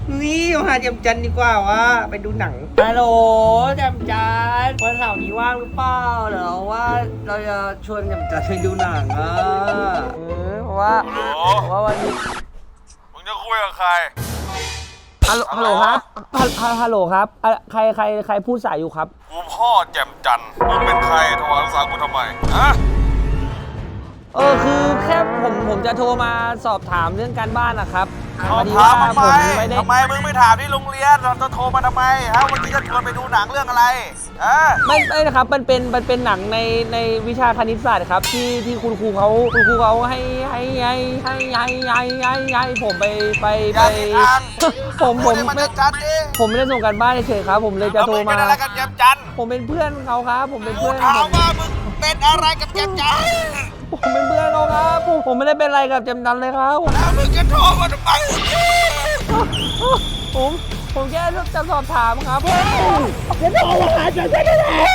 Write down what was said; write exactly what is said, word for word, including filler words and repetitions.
นี่มาหาแจมจันดีกว่าว่าไปดูหนังฮัลโหลแจมจันวันเสาร์นี้ว่างหรือเปล่าเดี๋ยวว่าเราจะชวนแจมจันไปดูหนังอ่ะเออเพราะว่าเพราะว่าวันนี้มึงจะคุยกับใครฮัลโหลฮัลโหลครับฮัลฮัลโหลครับอ่ะใครใครใครพูดสายอยู่ครับกูพ่อแจ่มจันทร์มึงเป็นใครโทรหาลูกสาวกูทำไมฮะเออคือแค่ผมผมจะโทรมาสอบถามเรื่องการบ้านนะครับสอบพดีถามว่าทำไมผมไม่ได้ทำไมมึงไม่ถามที่โรงเรียนเราจะโทรมาทำไมฮะวันนี้จะชวนไปดูหนังเรื่องอะไรฮะไม่ไม่นะครับมันเป็นมันเป็นหนังในในวิชาคณิตศาสตร์ครับที่ที่คุณครูเขาคุณครูเขาให้ให้ให้ให้ให้ให้ให้ให้ผมไปไปอไปย่าติดทางผมผมพูดให้มันไม่ชัดดิผมไม่ได้ส่งการบ้านเฉยๆครับ ผมเลยจะแล้วโทรมึงเป็มานอะไรกับแจ่มจันทร์ผมเป็นเพื่อนเขาครับ ผมเป็นกูเพื่อนถามว่ามึงเป็นอะไรกับแจ่มจันทร์ผมเป็นเพื่อนเขาครับผมผมไม่ได้เป็นอะไรกับเจมดันเลยครับแล้วมึงจะโทรมาทำไมผมผมแค่จะสอบถามครับจะโทรมาหาเจมดันได้แล้ว